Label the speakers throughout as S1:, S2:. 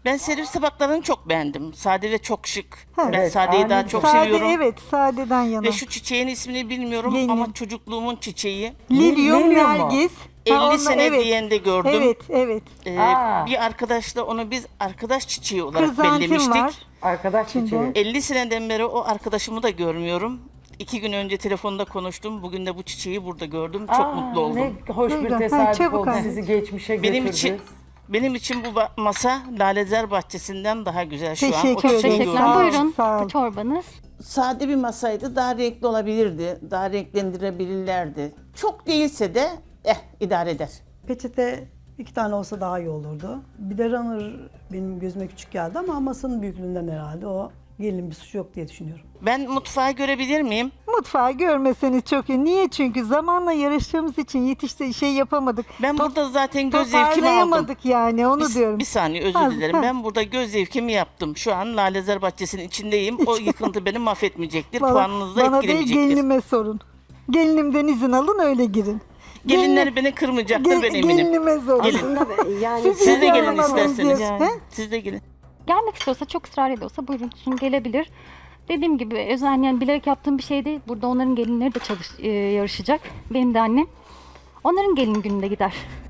S1: Ben servis tabaklarını çok beğendim. Sade ve çok şık. Ben
S2: Evet,
S1: sadeyi daha
S2: aynen.
S1: çok
S3: Sade,
S1: seviyorum.
S3: evet, sadeden yana.
S1: Ve şu çiçeğin ismini bilmiyorum
S3: Gelinim.
S1: ama çocukluğumun çiçeği.
S3: Lilyum,
S2: Lilyum mu?
S3: Nergis.
S1: 50
S3: onunla-
S1: sene
S3: evet.
S1: diyen de gördüm.
S3: Evet, evet.
S2: Aa.
S1: Bir arkadaşla onu biz arkadaş çiçeği olarak
S3: Krizantim
S1: bellemiştik.
S3: var.
S2: Arkadaş çiçeği.
S1: 50 seneden beri o arkadaşımı da görmüyorum. 2 gün önce telefonda konuştum. Bugün de bu çiçeği burada gördüm. Çok
S2: Aa,
S1: mutlu oldum.
S2: Ne hoş
S3: Ne
S2: bir
S3: güzel.
S2: tesadüf
S3: Çabuk
S2: oldu.
S3: anne.
S2: Sizi geçmişe
S1: Benim
S2: götürdü.
S1: için bu masa Lalezer Bahçesi'nden daha güzel şu an. O
S3: Teşekkür
S1: çiçeği
S3: ederim.
S1: gördüm.
S3: Sağ ol,
S4: Buyurun
S3: sağ ol.
S4: bu çorbanız.
S5: Sade bir masaydı. Daha renkli olabilirdi. Daha renklendirebilirlerdi. Çok değilse de idare eder.
S6: Peçete 2 tane olsa daha iyi olurdu. Bir de runner benim gözüme küçük geldi ama masanın büyüklüğünden herhalde o gelin bir suçu yok diye düşünüyorum.
S1: Ben mutfağı görebilir miyim?
S3: Mutfağı görmeseniz çok iyi. Niye? Çünkü zamanla yarıştığımız için yapamadık.
S1: Ben burada zaten göz zevkimi aldım.
S3: Toparlayamadık yani onu
S1: Bir,
S3: diyorum.
S1: bir saniye özür
S3: Az-
S1: dilerim.
S3: ha.
S1: Ben burada göz zevkimi yaptım. Şu an Lalezer Bahçesi'nin içindeyim. O yıkıntı beni mahvetmeyecektir. Puanınızı da
S3: bana değil
S1: etkilemeyecektir.
S3: gelinime sorun. Gelinimden izin alın öyle girin.
S1: Gelinler beni kırmayacaktır ben eminim.
S3: Gelinime sorun.
S1: Gelin.
S7: Yani
S3: Siz
S1: Siz de gelin
S3: almadınız
S1: isterseniz.
S3: diye. He?
S1: Siz de gelin.
S4: Gelmek istiyorsa, çok ısrar ediyorsa buyurun gelebilir. Dediğim gibi özel yani bilerek yaptığım bir şey değil. Burada onların gelinleri de yarışacak. Benim de annem. Onların gelin gününde gider.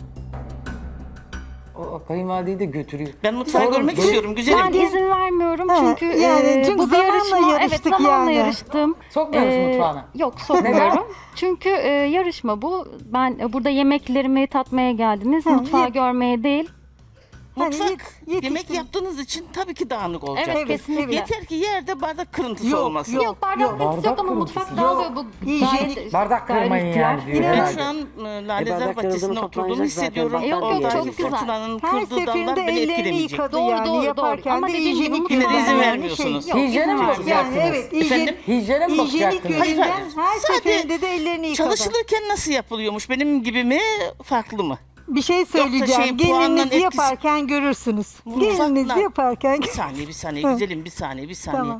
S2: O kayınvalideyi de götürüyor.
S1: Ben mutfağı
S2: Sorun
S1: görmek
S2: değil.
S1: istiyorum. Güzelim.
S4: Ben izin vermiyorum
S3: He,
S4: çünkü,
S3: çünkü
S4: bu bir
S3: zamanla
S4: yarışma. Evet
S3: yarıştık
S4: zamanla
S3: yani.
S4: yarıştım.
S2: Sokmuyor musun mutfağına?
S4: Yok sokmuyorum. Çünkü yarışma bu. Ben burada yemeklerimi tatmaya geldiniz. Mutfağı görmeye değil.
S1: Mutfak
S3: yetiştim.
S1: yemek yaptığınız için tabii ki dağınık olacak.
S4: Evet, kesinlikle.
S1: Yeter ki yerde bardak kırıntısı
S3: Yok,
S1: olmasın.
S4: Yok, bardak kırıntısı
S2: Bardak
S4: yok ama
S2: kırıntısı.
S4: mutfak dağılıyor. Bu
S3: Hijyenik.
S4: gayet-
S2: Bardak
S4: gayet
S2: kırmayın
S4: ihtilal.
S2: yani diyor
S1: Ben
S2: herhalde.
S1: şu an Lalezer
S7: bardak
S1: Bahçesi'nde
S7: kırıldığını
S1: oturduğumu
S7: toplanacak
S1: hissediyorum.
S7: zaten.
S4: Yok, yok,
S1: Oradaki
S4: çok güzel.
S1: fırtınanın
S3: Her
S1: kırdığı
S3: seferinde
S1: dallar beni
S3: ellerini
S1: etkilemeyecek.
S3: yıkadı
S4: Doğru,
S3: yani
S4: doğru,
S3: yaparken
S4: doğru. Ama
S3: de
S4: dediğim gibi
S3: hijyenik
S4: mutfağa-
S1: Yine de izin
S3: yani
S1: vermiyorsunuz.
S4: Yok,
S2: Hijyene mi
S4: izin
S3: Yani
S2: bakacaktınız?
S3: evet,
S1: Efendim?
S2: Hijyene mi
S3: hijyenik
S2: bakacaktınız?
S1: Hayır,
S3: yönden
S1: hayır.
S3: her
S1: Sadece
S3: seferinde de ellerini yıkadı.
S1: Çalışılırken nasıl yapılıyormuş? Benim gibi mi? Farklı mı?
S3: Bir şey söyleyeceğim.
S1: şeyin puanının
S3: Gelininizi
S1: etkisi-
S3: yaparken görürsünüz.
S1: Mutfakla-
S3: Gelininizi yaparken
S1: Bir saniye, bir saniye.
S3: Hı.
S1: Güzelim, bir saniye, bir saniye.
S3: Tamam.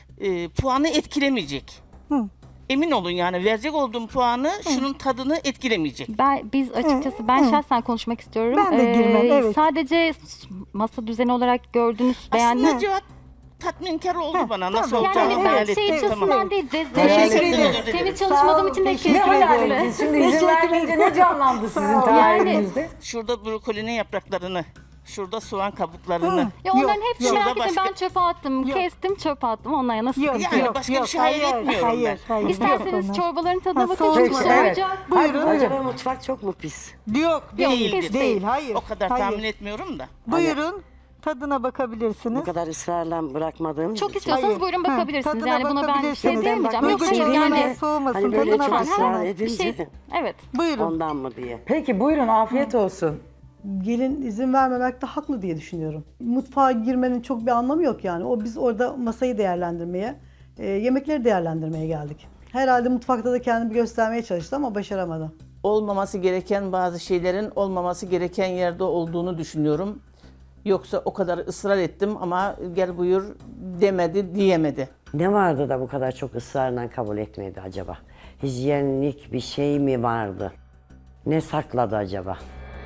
S1: Puanı etkilemeyecek.
S3: Hı.
S1: Emin olun yani verecek olduğum puanı şunun tadını etkilemeyecek.
S4: Biz açıkçası ben şahsen konuşmak istiyorum.
S3: Ben de girmem, evet.
S4: Sadece masa düzeni olarak gördünüz,
S1: Aslında
S4: beğendiniz.
S1: cevap tatminkar oldu bana. Nasıl
S3: tabii.
S1: olacağını
S4: Yani
S1: hayal
S4: evet,
S1: ettim.
S4: şey açısından
S1: Tamam.
S4: değil.
S2: Hayal
S4: Teşekkür
S1: ettim.
S4: ederim. Temiz çalışmadığım için de
S3: teşekkür
S2: Ne
S4: kesinlikle.
S2: hayal
S3: ederim.
S2: ettiniz? Şimdi izin
S3: Teşekkür
S2: vermeyince ne canlandı sizin tahayyülünüzde?
S1: Şurada brokolinin yapraklarını, şurada soğan kabuklarını.
S4: Ya onların
S3: Yok,
S4: hepsini
S1: yok.
S4: merak etme,
S1: Başka-
S4: ben çöpe attım.
S3: Yok.
S4: Kestim, çöpe attım. Onlara nasıl
S3: Yok,
S4: sıkıntı
S1: Yani
S4: yok.
S1: başka bir şey hayal etmiyorum
S3: hayır,
S1: ben.
S3: Hayır,
S4: İsterseniz
S3: yok.
S4: çorbaların tadına
S3: Ha,
S4: bakın.
S3: soğuk
S4: Çünkü
S3: mu?
S2: Evet.
S4: soğuyacak.
S2: Hadi
S3: Buyurun.
S7: Acaba mutfak çok mu pis?
S3: Yok,
S1: Değildir.
S3: değil, hayır.
S1: O kadar
S3: hayır.
S1: tahmin etmiyorum da.
S3: Buyurun, tadına bakabilirsiniz.
S7: Bu kadar ısrarla bırakmadığımız
S4: Çok
S7: için.
S4: istiyorsanız
S3: Hayır.
S4: buyurun
S3: Ha,
S4: bakabilirsiniz.
S3: tadına
S4: Yani buna ben bir
S3: bakabilirsiniz.
S4: şey
S7: Ben
S4: diyemeyeceğim. Yok
S7: bakmak
S4: hayır
S7: istiyorum
S4: yani.
S7: da
S3: soğumasın,
S7: hani böyle
S3: tadına
S7: çok
S3: bakın.
S7: ısrar
S4: Bir
S7: edince
S4: şey, evet.
S3: Buyurun.
S7: ondan mı diye.
S2: Peki buyurun afiyet olsun.
S6: Gelin izin vermemekte haklı diye düşünüyorum. Mutfağa girmenin çok bir anlamı yok yani. Biz orada masayı değerlendirmeye, yemekleri değerlendirmeye geldik. Herhalde mutfakta da kendimi göstermeye çalıştı ama başaramadı.
S5: Olmaması gereken bazı şeylerin olmaması gereken yerde olduğunu düşünüyorum. Yoksa o kadar ısrar ettim ama gel buyur demedi, diyemedi.
S7: Ne vardı da bu kadar çok ısrarla kabul etmedi acaba? Hijyenlik bir şey mi vardı? Ne sakladı acaba?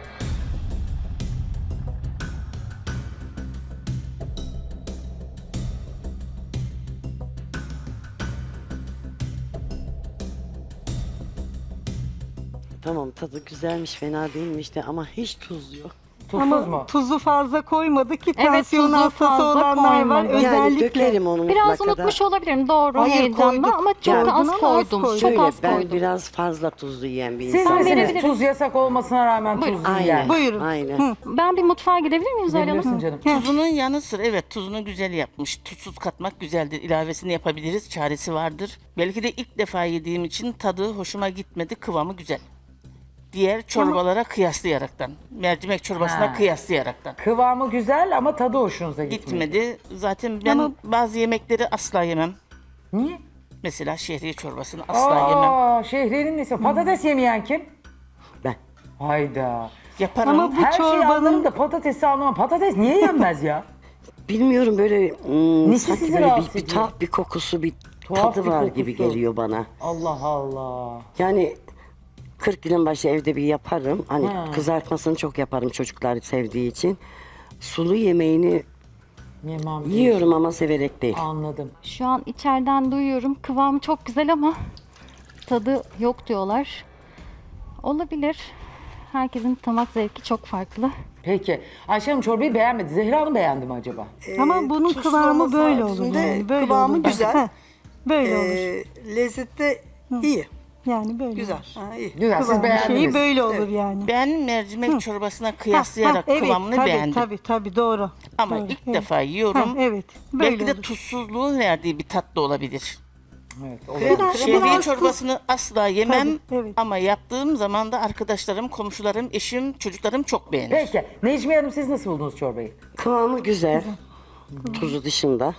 S7: Tamam tadı güzelmiş, fena değilmiş de ama hiç tuz yok.
S2: Tuzsuz
S3: Ama
S2: mu?
S3: tuzu fazla koymadı ki
S4: Evet,
S3: tansiyon
S4: tuzu
S3: hastası
S4: fazla
S3: olanlar var.
S4: koymadı.
S7: Yani
S3: Özellikle.
S7: dökerim onu
S4: Biraz
S7: mutlaka da.
S4: unutmuş olabilirim doğru
S3: Hayır,
S4: heyecanla
S3: koyduk.
S4: ama çok
S7: Yani
S4: da az
S3: bunu az
S4: koydum.
S3: koyduk.
S4: Çok
S7: Şöyle
S4: az
S7: ben
S4: koydum.
S7: biraz fazla tuzlu yiyen bir
S2: Siz
S7: insanım.
S2: misiniz
S4: verebilirim.
S2: tuz yasak olmasına rağmen
S4: Buyurun.
S2: tuzlu yiyen?
S7: Aynen.
S3: Buyurun.
S7: Aynen.
S4: Ben bir mutfağa gidebilir miyim Zahra Hanım?
S2: Gidebilirsin canım.
S1: Tuzunun yanı sıra evet tuzunu güzel yapmış. Tuzsuz katmak güzeldir. İlavesini yapabiliriz. Çaresi vardır. Belki de ilk defa yediğim için tadı hoşuma gitmedi. Kıvamı güzel. Diğer çorbalara kıyaslayaraktan. Mercimek çorbasına
S2: Ha.
S1: kıyaslayaraktan.
S2: Kıvamı güzel ama tadı hoşunuza gitmedi.
S1: Gitmedi. Zaten ben bazı yemekleri asla yemem.
S2: Niye?
S1: Mesela şehriye çorbasını asla yemem.
S2: Aa, şehriyenin nesi? Patates yemeyen kim?
S7: Ben.
S2: Hayda.
S1: Yaparım.
S3: Ama bu
S2: Her şeyi anlarım
S3: çorbanın
S2: da patatesi anlamam. Patates niye yenmez ya?
S7: Bilmiyorum böyle
S2: Nesi
S7: sanki
S2: sizi
S7: böyle
S2: rahatsız
S7: bir
S2: ediyor?
S7: tuhaf bir kokusu, bir
S2: Tuhaf
S7: tadı
S2: bir
S7: var
S2: kokusu.
S7: gibi geliyor bana.
S2: Allah Allah.
S7: Yani 40 yılın başı evde bir yaparım. Hani
S2: Ha.
S7: kızartmasını çok yaparım çocuklar sevdiği için. Sulu yemeğini
S2: Yemem.
S7: Yiyorum ama severek değil.
S2: Anladım.
S4: Şu an içeriden duyuyorum. Kıvamı çok güzel ama tadı yok diyorlar. Olabilir. Herkesin damak zevki çok farklı.
S2: Peki. Ayşe Hanım çorbayı beğenmedi. Zehra Hanım beğendi mi acaba?
S3: Ama bunun
S8: tuzlu
S3: kıvamı
S8: olması
S3: böyle olur
S8: haricinde
S3: yani. Böyle
S8: kıvamı
S3: olur.
S8: güzel.
S3: Heh, böyle olur.
S8: Lezzeti de iyi.
S3: Yani böyle
S8: Güzel.
S3: olur.
S8: Ha, iyi.
S2: Güzel. Siz
S3: Kıvamı
S2: beğendiniz.
S3: şeyi böyle olur yani.
S1: Ben mercimek çorbasına
S3: Ha,
S1: kıyaslayarak
S3: evet,
S1: kıvamını
S3: tabii,
S1: beğendim.
S3: Tabii doğru.
S1: Ama
S3: Doğru,
S1: ilk
S3: evet.
S1: defa yiyorum.
S3: Ha, evet. Böyle
S1: Belki de
S3: olur.
S1: tuzsuzluğun verdiği bir tat da olabilir.
S2: Evet, olur.
S1: Şehriye çorbasını asla yemem
S3: Tabii, evet.
S1: ama yaptığım zaman da arkadaşlarım, komşularım, eşim, çocuklarım çok beğenir.
S2: Peki. Necmiye Hanım siz nasıl buldunuz çorbayı?
S7: Kıvamı güzel. Tuzu dışında.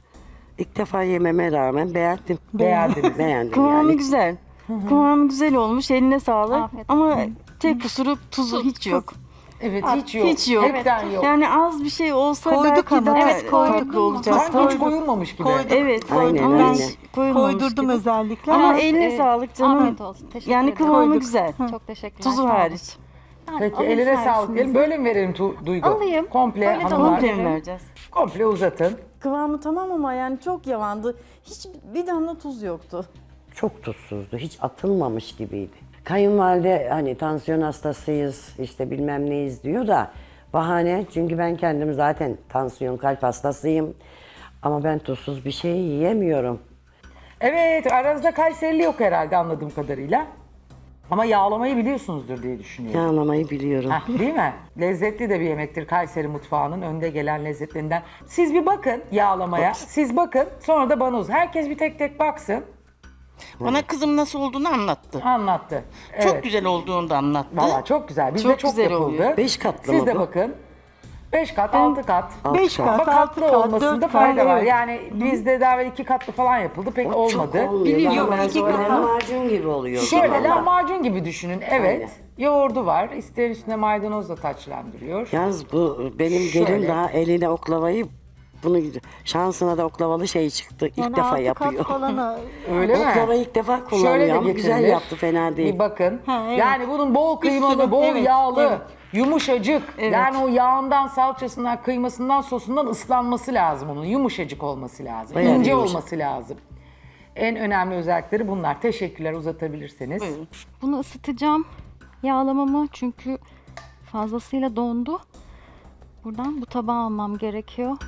S7: İlk defa yememe rağmen beğendim.
S2: Beğendiniz.
S7: Beğendim
S9: Kıvamı
S7: yani.
S9: güzel. Kıvamı güzel olmuş. Eline sağlık.
S4: Afiyet
S9: Ama tek kusuru tuzu hiç yok.
S2: Evet hiç yok.
S9: Hiç yok.
S2: Hepten yok.
S9: Yani az bir şey olsa
S3: Koyduk
S9: belki
S3: ama.
S9: daha
S3: Evet,
S4: koyduk
S9: farklı
S4: ama.
S9: olacak.
S2: Sanki hiç koyulmamış gibi.
S9: Evet, koyduk
S7: Aynen,
S9: ama
S7: aynen.
S9: hiç koyulmamış
S3: Koydurdum
S9: gibi.
S3: özellikle.
S9: Ama
S3: ama
S9: eline sağlık canım.
S4: Afiyet olsun. Teşekkür
S9: Yani
S4: ederim.
S9: kıvamı
S3: Koyduk.
S9: güzel.
S4: Çok teşekkürler.
S9: Tuzu
S4: sağ olun.
S9: hariç.
S4: Yani
S2: Peki
S4: alayım
S2: eline sağlık
S4: servisinizi.
S2: diyelim. Böyle mi verelim Duygu?
S4: Alayım.
S2: Komple
S4: Böyle de
S2: hanımlar.
S4: olabilir.
S9: Komple mi vereceğiz?
S2: Komple uzatın.
S10: Kıvamı tamam ama yani çok yavandı. Hiç bir damla tuz yoktu.
S7: Çok tuzsuzdu. Hiç atılmamış gibiydi. Kayınvalide hani tansiyon hastasıyız, işte bilmem neyiz diyor da bahane. Çünkü ben kendim zaten tansiyon, kalp hastasıyım. Ama ben tuzsuz bir şey yiyemiyorum.
S2: Evet aranızda Kayserili yok herhalde anladığım kadarıyla. Ama yağlamayı biliyorsunuzdur diye düşünüyorum.
S7: Yağlamayı biliyorum.
S2: Heh, değil mi? Lezzetli de bir yemektir Kayseri mutfağının önde gelen lezzetlerinden. Siz bir bakın yağlamaya. Siz bakın sonra da bana uzun. Herkes bir tek tek baksın.
S1: Bana kızım nasıl olduğunu anlattı.
S2: Anlattı.
S1: Çok
S2: Evet.
S1: güzel olduğunu da anlattı.
S2: Valla çok güzel. Bizde
S9: Çok
S2: çok
S9: güzel
S2: yapıldı.
S9: oluyor.
S7: 5 katlı
S2: Siz
S7: mı
S2: de
S7: bu?
S2: bakın. 5 kat, 6 kat.
S3: 5
S2: Ama
S3: kat, 6
S2: katlı
S3: kat,
S2: olmasında
S3: 4
S2: fayda
S3: kat.
S2: var.
S3: Evet.
S2: Yani bizde daha evvel 2 katlı falan yapıldı. Pek olmadı.
S7: Çok olmuyor.
S3: Biliyorum,
S7: Ben
S3: iki
S7: sonra
S3: kat.
S7: lahmacun gibi oluyor. o
S2: Şöyle
S7: zaman da.
S2: lahmacun gibi düşünün. Evet.
S7: Aynen.
S2: Yoğurdu var. İster üstüne maydanozla taçlandırıyor.
S7: Yalnız bu benim
S2: Şöyle.
S7: gelin daha eline oklavayı bunu şansına da oklavalı şey çıktı. İlk
S3: yani
S7: defa
S3: 6
S7: yapıyor.
S3: kat falan
S2: Öyle mi?
S7: Oklavayı ilk defa
S2: Şöyle
S7: kullanıyor
S2: de
S7: ama güzel
S2: getirilir.
S7: yaptı, fena değil.
S2: Bir bakın.
S3: Ha, evet.
S2: Yani bunun bol kıymalı,
S3: sürü,
S2: bol
S3: evet,
S2: yağlı,
S3: evet.
S2: yumuşacık.
S3: Evet.
S2: Yani o yağından, salçasından, kıymasından, sosundan ıslanması lazım onun. Yumuşacık olması lazım.
S7: Bayağı
S2: İnce
S7: yumuşak.
S2: olması lazım. En önemli özellikleri bunlar. Teşekkürler uzatabilirseniz.
S4: Bunu ısıtacağım. Yağlamamı çünkü fazlasıyla dondu. Buradan bu tabağı almam gerekiyor.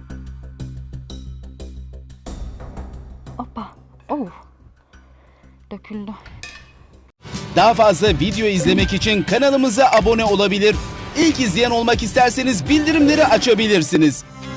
S4: Hoppa. Oh. Döküldü.
S11: Daha fazla video izlemek için kanalımıza abone olabilir. İlk izleyen olmak isterseniz bildirimleri açabilirsiniz.